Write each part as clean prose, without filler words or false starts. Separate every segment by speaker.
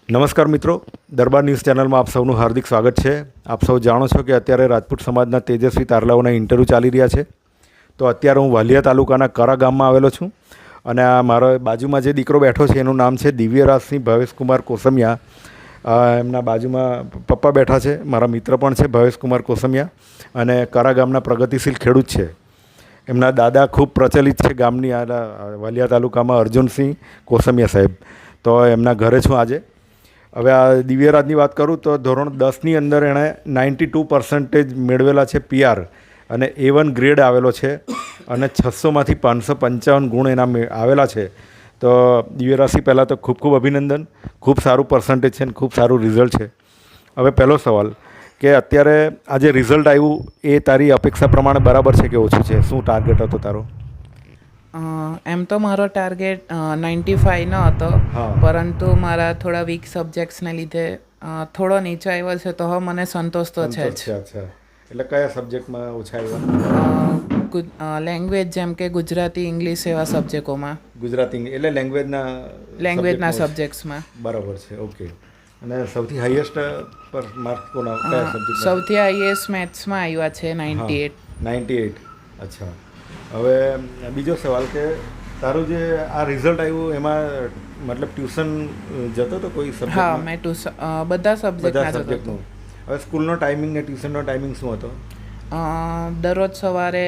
Speaker 1: નમસ્કાર મિત્રો, દરબાર ન્યૂઝ ચેનલમાં આપ સૌનું હાર્દિક સ્વાગત છે. આપ સૌ જાણો છો કે અત્યારે રાજપૂત સમાજના તેજસ્વી તારલાઓના ઇન્ટરવ્યૂ ચાલી રહ્યા છે. તો અત્યારે હું વાલિયા તાલુકાના કરા ગામમાં આવેલો છું અને આ મારો બાજુમાં જે દીકરો બેઠો છે એનું નામ છે દિવ્યરાજસિંહ ભવેશકુમાર કોસમિયા. એમના બાજુમાં પપ્પા બેઠા છે, મારા મિત્ર પણ છે ભવેશકુમાર કોસમિયા, અને કરા ગામના પ્રગતિશીલ ખેડૂત છે. એમના દાદા ખૂબ પ્રચલિત છે ગામની વાલિયા તાલુકામાં, અર્જુનસિંહ કોસમિયા સાહેબ. તો એમના ઘરે છું આજે. હવે આ દિવ્યરાજની વાત કરું તો ધોરણ 10ની અંદર એણે 92% મેળવેલા છે PR, અને A1 ગ્રેડ આવેલો છે, અને 600માંથી 555 ગુણ એના આવેલા છે. તો દિવ્યરાજસિંહ પહેલાં તો ખૂબ ખૂબ અભિનંદન, ખૂબ સારું પર્સન્ટેજ છે અને ખૂબ સારું રિઝલ્ટ છે. હવે પહેલો સવાલ કે અત્યારે આ જે રિઝલ્ટ આવ્યું એ તારી અપેક્ષા પ્રમાણે બરાબર છે કે ઓછું છે? શું ટાર્ગેટ હતો તારો?
Speaker 2: એમ તો મારો ટાર્ગેટ 95 ન હતો, પરંતુ મારા થોડા વીક સબ્જેક્ટ્સને લીધે થોડો નીચે આવ્યો છે. તો હવે મને સંતોષ તો છે જ.
Speaker 1: અચ્છા, એટલે કયા સબ્જેક્ટમાં ઓછા આવ્યા?
Speaker 2: લેંગ્વેજ જેમ કે ગુજરાતી, ઇંગ્લિશ એવા સબ્જેક્ટોમાં.
Speaker 1: ગુજરાતી એટલે
Speaker 2: લેંગ્વેજના સબ્જેક્ટ્સમાં.
Speaker 1: બરાબર છે, ઓકે. અને સૌથી હાઈએસ્ટ પર માર્ક કોના કયા સબ્જેક્ટ?
Speaker 2: સૌથી હાઈએસ્ટ મેથ્સમાં આવ્યા છે 98.
Speaker 1: અચ્છા. હવે બીજો સવાલ કે તારું જે આ રિઝલ્ટ આવ્યું એમાં મતલબ ટ્યુશન જતો તો કોઈ સબ્જેક્ટ?
Speaker 2: હા, મેં બધા સબ્જેક્ટના જતો હતો.
Speaker 1: હવે સ્કૂલનો ટાઈમિંગ ને ટ્યુશનનો ટાઈમિંગ શું હતો?
Speaker 2: દરરોજ સવારે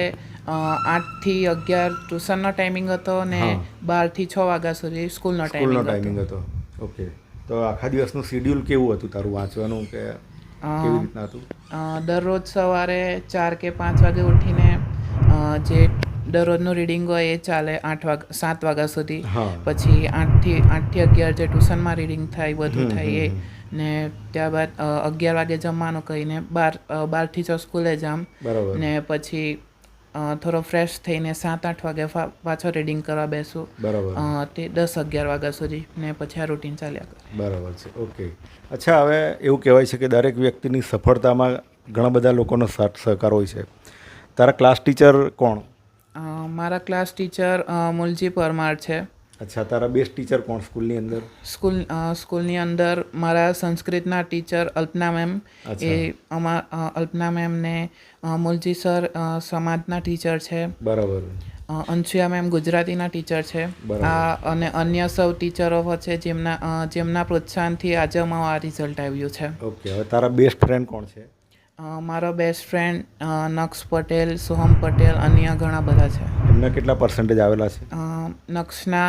Speaker 2: 8 થી 11 ટ્યુશનનો ટાઈમિંગ હતો, અને 12 થી 6 વાગ્યા સુધી સ્કૂલનો ટાઈમિંગ હતો.
Speaker 1: ઓકે. તો આખા દિવસનું શેડ્યુલ કેવું હતું તારું વાંચવાનું, કે કેવી રીતના હતું?
Speaker 2: દરરોજ સવારે 4 કે 5 વાગે ઉઠીને જે દરરોજનું રીડિંગ હોય એ ચાલે 7 વાગ્યા સુધી. પછી 8 થી 11 જે ટ્યુશનમાં રીડિંગ થાય બધું થાય એ, ને ત્યારબાદ 11 વાગે જમવાનું કહીને 12 થી 6 સ્કૂલે જામ. ને પછી થોડો ફ્રેશ થઈને 7-8 વાગે પાછો રીડિંગ કરવા બેસું, તે 10-11 વાગ્યા સુધી, ને પછી આ રૂટીન ચાલ્યા કરે.
Speaker 1: બરાબર છે, ઓકે. અચ્છા, હવે એવું કહેવાય છે કે દરેક વ્યક્તિની સફળતામાં ઘણા બધા લોકોનો સાથ સહકાર હોય છે. તારા ક્લાસ ટીચર કોણ?
Speaker 2: મારા ક્લાસ ટીચર મુલજી પરમાર છે.
Speaker 1: અચ્છા, તારા બેસ્ટ ટીચર કોણ સ્કૂલની અંદર?
Speaker 2: સ્કૂલની અંદર મારા સંસ્કૃતના ટીચર અલ્પના મેમ. એ અલ્પના મેમ ને મુલજી સર સમાજના ટીચર છે.
Speaker 1: બરાબર.
Speaker 2: અંશુયા મેમ ગુજરાતીના ટીચર છે. અને અન્ય સૌ ટીચરો છે જેમના પ્રોત્સાહનથી આજે અમારું આ રિઝલ્ટ આવ્યું છે.
Speaker 1: ઓકે. હવે તારા બેસ્ટ ફ્રેન્ડ કોણ છે?
Speaker 2: મારો બેસ્ટ ફ્રેન્ડ નક્ષ પટેલ, સોહમ પટેલ, અન્ય ઘણા બધા છે.
Speaker 1: એમના કેટલા પર્સન્ટેજ આવેલા છે?
Speaker 2: નક્ષના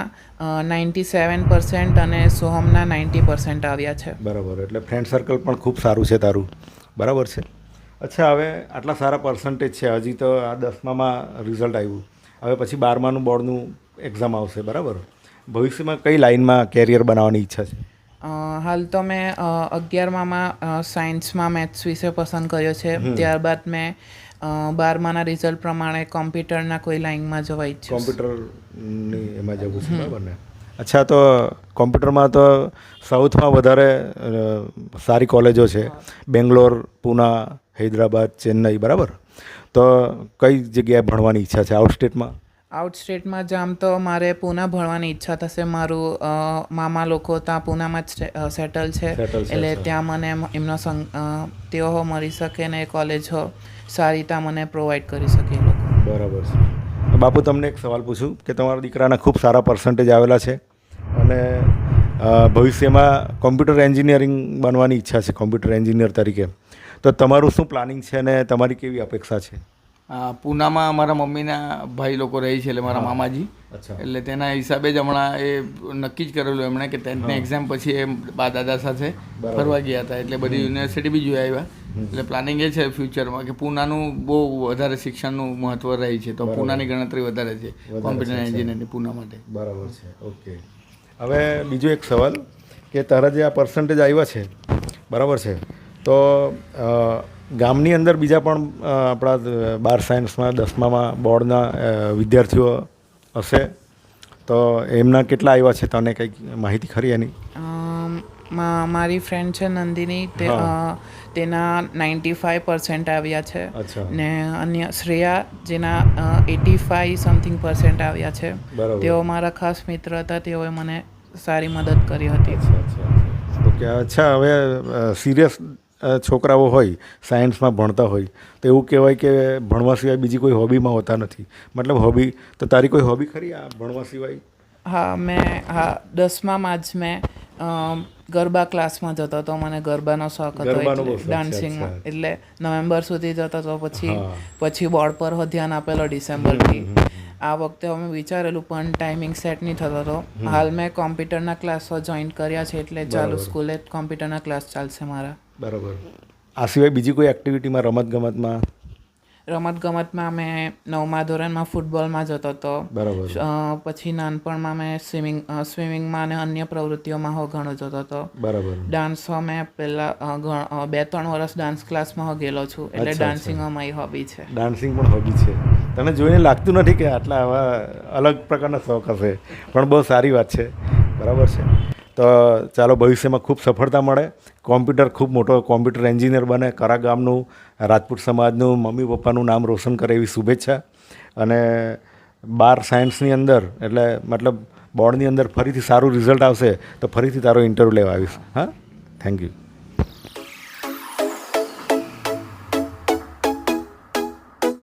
Speaker 2: 97% અને સોહમના 90% આવ્યા છે.
Speaker 1: બરાબર. એટલે ફ્રેન્ડ સર્કલ પણ ખૂબ સારું છે તારું. બરાબર છે. અચ્છા, હવે આટલા સારા પર્સન્ટેજ છે, હજી તો આ 10મામાં રિઝલ્ટ આવ્યું, હવે પછી 12માનું બોર્ડનું એક્ઝામ આવશે, બરાબર? ભવિષ્યમાં કઈ લાઇનમાં કેરિયર બનાવવાની ઈચ્છા છે?
Speaker 2: હાલ તો મેં 11મામાં સાયન્સમાં મેથ્સ વિષય પસંદ કર્યો છે. ત્યારબાદ મેં 12માના રિઝલ્ટ પ્રમાણે કોમ્પ્યુટરના કોઈ લાઇનમાં જવા ઈચ્છું.
Speaker 1: કોમ્પ્યુટરની એમાં જવું છે, બરાબર ને? અચ્છા, તો કોમ્પ્યુટરમાં તો સાઉથમાં વધારે સારી કોલેજો છે, બેંગ્લોર, પૂના, હૈદરાબાદ, ચેન્નઈ, બરાબર? તો કઈ જગ્યાએ ભણવાની ઈચ્છા છે આઉટસ્ટેટમાં?
Speaker 2: આઉટસ્ટેટમાં જામ તો મારે પૂના ભણવાની ઈચ્છા થશે. મારું મામા લોકો ત્યાં પૂનામાં જ સેટલ છે, એટલે ત્યાં મને એમનો તેઓ મળી શકે ને કોલેજો સારી ત્યાં મને પ્રોવાઈડ કરી શકે એ લોકો.
Speaker 1: બરાબર છે. બાપુ, તમને એક સવાલ પૂછું કે તમારા દીકરાના ખૂબ સારા પર્સન્ટેજ આવેલા છે અને ભવિષ્યમાં કોમ્પ્યુટર એન્જિનિયરિંગ બનવાની ઈચ્છા છે, કોમ્પ્યુટર એન્જિનિયર તરીકે. તો તમારું શું પ્લાનિંગ છે અને તમારી કેવી અપેક્ષા છે?
Speaker 3: પૂનામાં મારા મમ્મીના ભાઈ લોકો રહે છે, એટલે મારા મામાજી. એટલે તેના હિસાબે જ હમણાં એ નક્કી જ કરેલું એમણે કે 10th એક્ઝામ પછી એ બા દાદા સાથે ફરવા ગયા હતા, એટલે બધી યુનિવર્સિટી બી જોઈ આવ્યા. એટલે પ્લાનિંગ એ છે ફ્યુચરમાં કે પૂનાનું બહુ વધારે શિક્ષણનું મહત્વ રહે છે, તો પૂનાની ગણતરી વધારે છે કોમ્પ્યુટર એન્જિનિયરની પૂના માટે.
Speaker 1: બરાબર છે, ઓકે. હવે બીજો એક સવાલ કે તારા જે આ પર્સન્ટેજ આવ્યા છે, બરાબર છે, તો ગામની અંદર બીજા પણ આપણા 12 સાયન્સમાં 10મામાં બોર્ડના વિદ્યાર્થીઓ હશે, તો એમના કેટલા આવ્યા છે? તને કંઈક માહિતી ખરી એની?
Speaker 2: મારી ફ્રેન્ડ છે નંદિની, તેના 95% આવ્યા છે. ને અન્ય શ્રેયા જેના 85 સમથિંગ% આવ્યા છે. તેઓ મારા ખાસ મિત્ર હતા, તેઓએ મને સારી મદદ કરી હતી.
Speaker 1: ઓકે. ઓકે અચ્છા હવે સિરિયસ છોકરાઓ હોય સાયન્સમાં ભણતા હોય તો એવું કહેવાય કે ભણવા સિવાય બીજી કોઈ હોબીમાં હોતા નથી. મતલબ હોબી તો તારી કોઈ હોબી ખરી આ ભણવા સિવાય?
Speaker 2: હા 10માં જ મેં ગરબા ક્લાસમાં જતો હતો. મને ગરબાનો શોખ હતો એટલે ડાન્સિંગમાં, એટલે નવેમ્બર સુધી જતો હતો. પછી બોર્ડ પર ધ્યાન આપેલો ડિસેમ્બરથી. આ વખતે અમે વિચારેલું પણ ટાઈમિંગ સેટ નહીં થતો હતો. હાલ મેં કોમ્પ્યુટરના ક્લાસો જોઈન કર્યા છે એટલે ચાલુ સ્કૂલે કોમ્પ્યુટરના ક્લાસ ચાલશે મારા.
Speaker 1: બરાબર. આ સિવાય બીજી કોઈ એક્ટિવિટીમાં રમતગમતમાં મેં 9મા ધોરણમાં ફૂટબોલમાં જતો હતો. બરાબર.
Speaker 2: પછી નાનપણમાં મેં સ્વિમિંગમાં અને અન્ય પ્રવૃત્તિઓમાં ઘણો જતો હતો.
Speaker 1: બરાબર.
Speaker 2: ડાન્સમાં મેં પહેલાં 2-3 વર્ષ ડાન્સ ક્લાસમાં ગયેલો છું, એટલે ડાન્સિંગમાં મારી હોબી છે.
Speaker 1: ડાન્સિંગ પણ હોબી છે. તને જોઈને લાગતું નથી કે આટલા આવા અલગ પ્રકારના શોખ હશે, પણ બહુ સારી વાત છે. બરાબર છે. તો ચાલો ભવિષ્યમાં ખૂબ સફળતા મળે, ખૂબ મોટો કોમ્પ્યુટર એન્જિનિયર બને, કરા ગામનું રાજપૂત સમાજનું મમ્મી પપ્પાનું નામ રોશન કરે એવી શુભેચ્છા. અને 12 સાયન્સની અંદર એટલે મતલબ બોર્ડની અંદર ફરીથી સારું રિઝલ્ટ આવશે તો ફરીથી તારો ઇન્ટરવ્યૂ લેવા આવીશ. હા, થેન્ક યુ.